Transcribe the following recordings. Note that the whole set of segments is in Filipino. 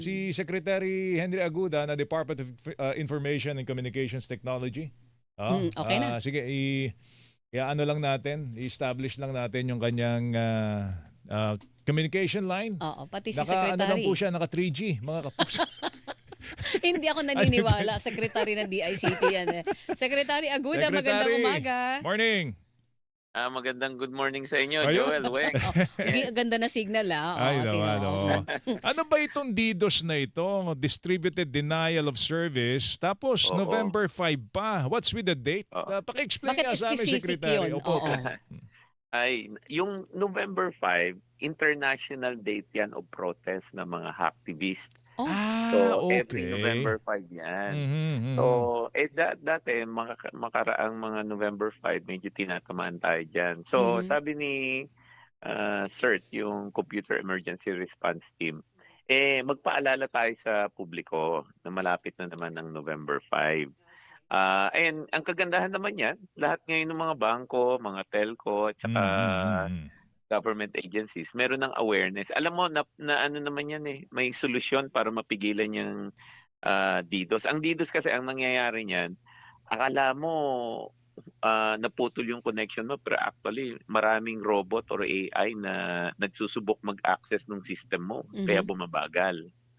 Si Secretary Henry Aguda na Department of Information and Communications Technology. Okay na. Sige, ano lang natin, i-establish lang natin yung kanyang communication line. Oo, pati si Ano lang Secretary. po siya, naka 3G, mga kapuso. Hindi ako naniniwala, Secretary ng DICT yan eh. Secretary Aguda, magandang Secretary, umaga. morning. Magandang good morning sa inyo, Ayun. Joel, Weng. Ganda na signal Ay Oo, naman, tino. oo. Ano ba itong DDoS na ito? Distributed Denial of Service. Tapos Oo. November 5 pa. What's with the date? Oo. Paki-explain Bakit nga sa amin, specific Secretary. yun? Opo, Oo. Ay, yung November 5, international date yan of protest ng mga hacktivists. Oh, So, every okay. November 5 yan. Mhm, So, dati, makaraang mga November 5, medyo tinatamaan tayo dyan. So, Mhm. sabi ni CERT, yung Computer Emergency Response Team, magpaalala tayo sa publiko na malapit na naman ng November 5. And ang kagandahan naman yan, lahat ngayon ng mga bangko, mga telco, at saka mhm. government agencies, meron ng awareness. Alam mo, na ano naman yan may solusyon para mapigilan yung DDoS. Ang DDoS kasi, ang nangyayari niyan, akala mo naputol yung connection mo, pero actually maraming robot or AI na nagsusubok mag-access ng system mo, kaya Mhm. bumabagal.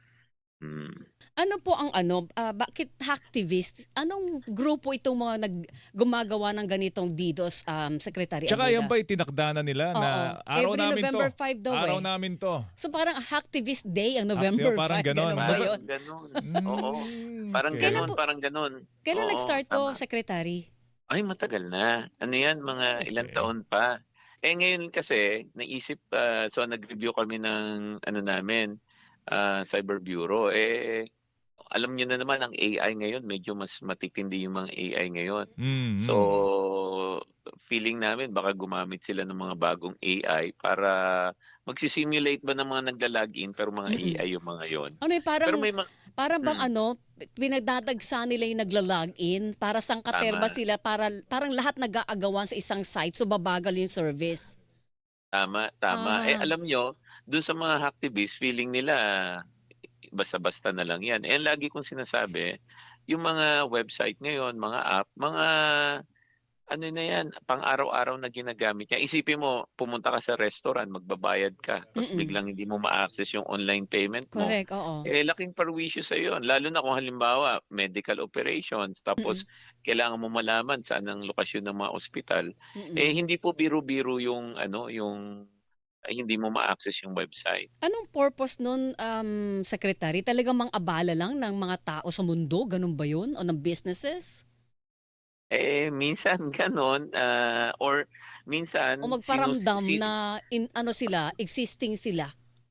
Ano po ang bakit hacktivist? Anong grupo itong mga gumagawa ng ganitong DDoS, Secretary Tsaka yan Aguda? ba itinakda na nila na Oo. araw Every namin November to? 5 daw Araw eh. namin to. So parang hacktivist day ang November parang 5, ganon. ganun ba yun? Ganun. Oo. Parang Okay. Kailan ganun, po- parang ganun. Kailan Oo, nag-start to, tama. Secretary? Ay, matagal na. Ano yan, mga ilang Okay. taon pa. Ngayon kasi, naisip, so nag-review kami ng ano namin, Cyber Bureau. Alam niyo na naman, ang AI ngayon, medyo mas matitindi yung mga AI ngayon. So, feeling namin baka gumamit sila ng mga bagong AI para magsisimulate ba ng mga nagla-login, pero mga Mm-mm. AI yung mga yon. Ano eh, Pero parang may mga... Parang bang Mm, pinagdadagsa nila yung nagla-login para sangkaterba tama. sila, para parang lahat nag-aagawan sa isang site, so babagal yung service. Tama, tama. Ah, Alam nyo, dun sa mga hacktivists, feeling nila basta-basta na lang yan. Lagi kong sinasabi, yung mga website ngayon, mga app, mga ano na yan, pang-araw-araw na ginagamit niya. Isipin mo, pumunta ka sa restaurant, magbabayad ka, tapos mm. biglang hindi mo ma-access yung online payment mo. Correct, oo. Laking perwisyo sa yun. Lalo na kung halimbawa, medical operations, Mm, tapos kailangan mo malaman saan ang lokasyon ng mga ospital. mm. Hindi po biro-biro yung hindi mo ma-access yung website. Anong purpose nun, Secretary? Talagang mang-abala lang ng mga tao sa mundo, ganun ba yun? O ng businesses? Minsan gano'n, or O minsan magparamdam na sila, existing sila?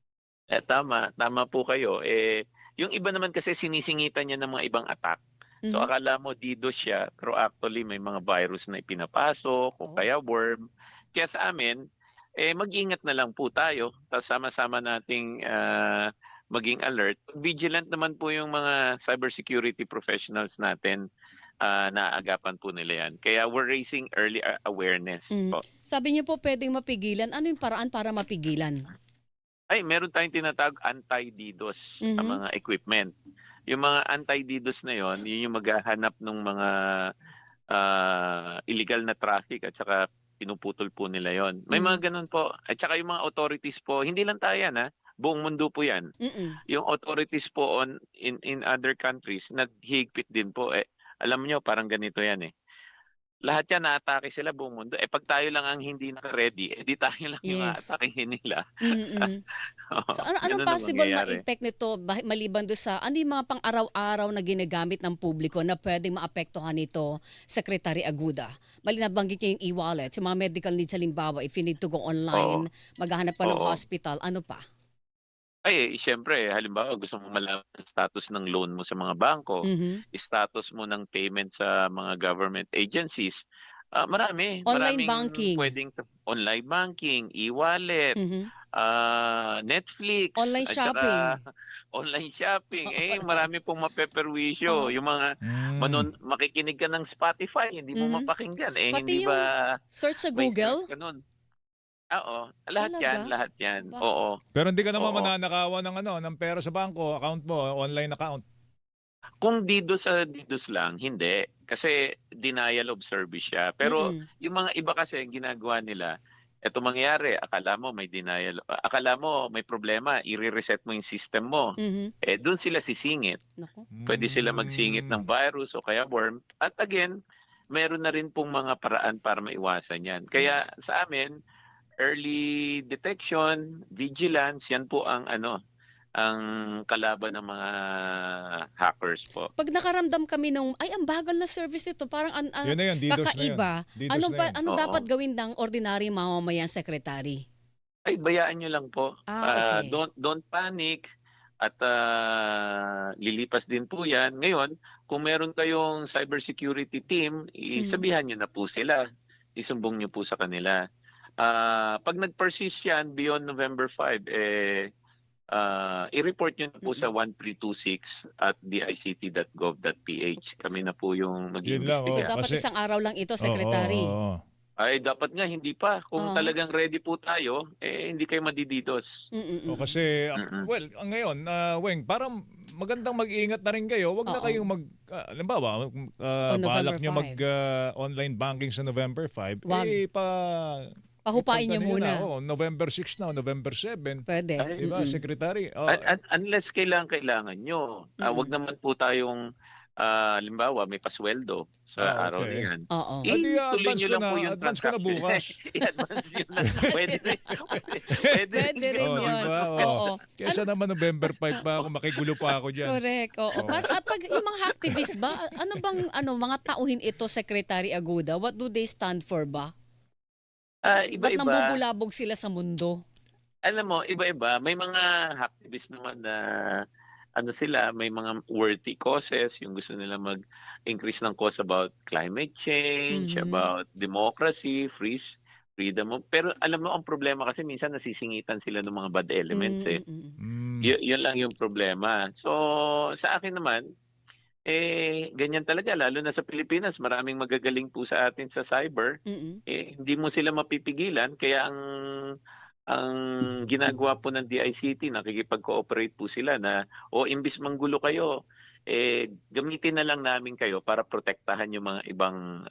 tama po kayo. Yung iba naman kasi sinisingitan niya ng mga ibang attack. So Mhm. akala mo DDoS siya, pero actually may mga virus na ipinapasok o Oh. kaya worm. Kaya sa amin, mag-ingat na lang po tayo. Tapos sama-sama nating maging alert. Vigilant naman po yung mga cybersecurity professionals natin. Naaagapan po nila yan. Kaya we're raising early awareness Mm. po. Sabi niyo po pwedeng mapigilan. Ano yung paraan para mapigilan? Meron tayong tinatawag anti-DDoS sa Mhm. mga equipment. Yung mga anti-DDoS na yon, yun yung maghahanap ng mga illegal na traffic at saka pinuputol po nila yon. May Mhm. mga ganun po. At saka yung mga authorities po, hindi lang tayo yan, buong mundo po yan. Mm. Yung authorities po in other countries, naghihigpit din po. Alam niyo, parang ganito yan Lahat yan naatake sila buong mundo. 'Pag tayo lang ang hindi naka-ready, di tayo lang yung Yes. aatakehin nila. Mm. Oo, So anong gano'n ang possible na mangyayari. impact nito maliban do sa ano yung mga pang-araw-araw na ginagamit ng publiko na pwedeng maapektuhan nito, Secretary Aguda? Nabanggit niyo yung e-wallet, yung mga medical needs halimbawa, if you need to go Oo, online, maghahanap ka ng oo. hospital, ano pa? Siyempre halimbawa gusto mong malaman ang status ng loan mo sa mga bangko, Mhm. status mo ng payment sa mga government agencies. Online Maraming banking. puwedeng online banking, e-wallet, Mhm. Netflix Online at saka shopping. online shopping. Online. Marami pong mapeperwisyo. Oo. Yung mga makikinig ka ng Spotify, hindi mo Mhm. mapakinggan, hindi Pati yung ba search sa may search Google. ka nun? Oo, lahat Talaga? 'yan, Aba. oo, Pero hindi ka naman oo. mananakawan ng ng pera sa bangko, account mo, online account. Kung DDoS lang, hindi. Kasi denial of service siya. Pero Mm. yung mga iba kasi ang ginagawa nila, eto mangyayari, akala mo may problema, ire-reset mo yung system mo. Mhm. Eh, dun sila sisingit. Naku. Puwede sila magsingit Hmm. ng virus o kaya worm. At again, meron na rin pong mga paraan para maiwasan 'yan. Kaya sa amin, early detection, vigilance, 'yan po ang ang kalaban ng mga hackers po. 'Pag nakaramdam kami nung, "Ay, ang bagal na service nito, parang Yun na yun, DDoS na yun. kakaiba." DDoS na yun. Ano dapat Oo. gawin ng ordinaryong mamamayan, Secretary? Ay, bayaan niyo lang po. Okay. Don't panic at, lilipas din po 'yan. Ngayon, kung meron kayong cybersecurity team, Mhm. sabihan niyo na po sila, isumbong niyo po sa kanila. 'Pag nag-persist 'yan beyond November 5, i-report niyo na po sa Mm. 1326 at dict.gov.ph. Kami na po yung Yun lang, So, oo. mag-iimbestiga. dapat Kasi isang araw lang ito, oo, oo, Secretary? oo. Ay, dapat nga hindi pa. Kung Oo. talagang ready po tayo, hindi kayo madididos. O Mm. kasi, Mm. well, ngayon, Weng, parang magandang mag-ingat na rin kayo. Wag na Oo. kayong halimbawa, O November balak nyo 5. online banking sa November 5, Wag. Pahupain niyo ipagtano nyo na, muna. November 6 na, November 7. Puwede. Ay, Diba, Mm. Secretary? unless kailangan nyo. Wag Mm. naman po tayong, halimbawa may pasweldo sa araw na Okay. yan. Oo. Adi, Ituloy nyo lang po yung advance ko na transaction. bukas. I-advance nyo na. Pwede rin. Pwede rin Puwede rin ganun. yun. Diba? Oo. Kesa naman November 5 pa ako, makigulo pa ako dyan. Correct, oo. Oo. At 'pag yung mga hacktivist ba, ano bang mga tauhin ito, Secretary Aguda? What do they stand for ba? Ba't Iba-iba. nambubulabog sila sa mundo? Alam mo, iba-iba. May mga hacktivists naman na sila, may mga worthy causes, yung gusto nila mag-increase ng cause about climate change, Mhm. about democracy, freedom of, pero alam mo ang problema kasi minsan nasisingitan sila ng mga bad elements, eh. Mm. Mm. Yun lang yung problema. So, sa akin naman, ganyan talaga lalo na sa Pilipinas, maraming magagaling po sa atin sa cyber. Mm. Hindi mo sila mapipigilan kaya ang ginagawa po ng DICT, nakikipag-cooperate po sila na, o imbis manggulo kayo, gamitin na lang namin kayo para protektahan yung mga ibang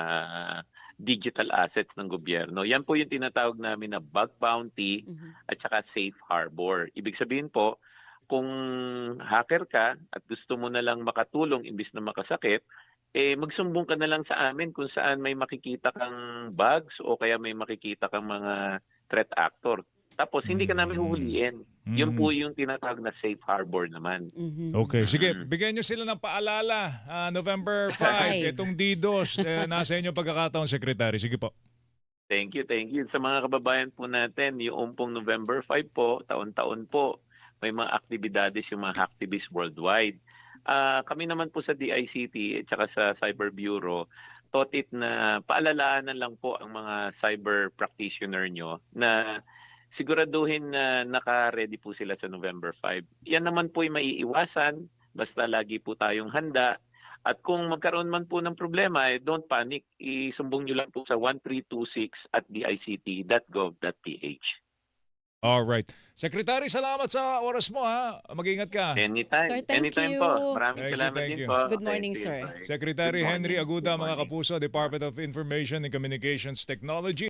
digital assets ng gobyerno. Yan po yung tinatawag namin na bug bounty Mhm. at saka safe harbor. Ibig sabihin po, kung hacker ka at gusto mo na lang makatulong imbis na makasakit, magsumbong ka na lang sa amin kung saan may makikita kang bugs o kaya may makikita kang mga threat actor. Tapos hindi ka namin huhulihin. Yun Mm. po yung tinatawag na safe harbor naman. Mhm. Okay, sige, Mm. bigyan nyo sila ng paalala. November 5, 5. itong DDoS, nasa inyo pagkakataon, Secretary. Sige po. Thank you, thank you. Sa mga kababayan po natin, yung pong November 5 po, taon-taon po, may mga aktibidades yung mga hacktivists worldwide. Kami naman po sa DICT at saka sa Cyber Bureau, totit na paalalaanan lang po ang mga cyber practitioner nyo na siguraduhin na naka-ready po sila sa November 5. Yan naman po ay maiiwasan basta lagi po tayong handa. At kung magkaroon man po ng problema, don't panic. Isumbong nyo lang po sa 1326 at dict.gov.ph. Alright. Secretary, salamat sa oras mo, ha. Mag-ingat ka. Sir, Anytime. thank Anytime you. po. Maraming Thank you, salamat thank din you. po. Good morning, Sige, sir. bye. Secretary Good Henry morning. Aguda, Good mga morning. kapuso, Department of Information and Communications Technology.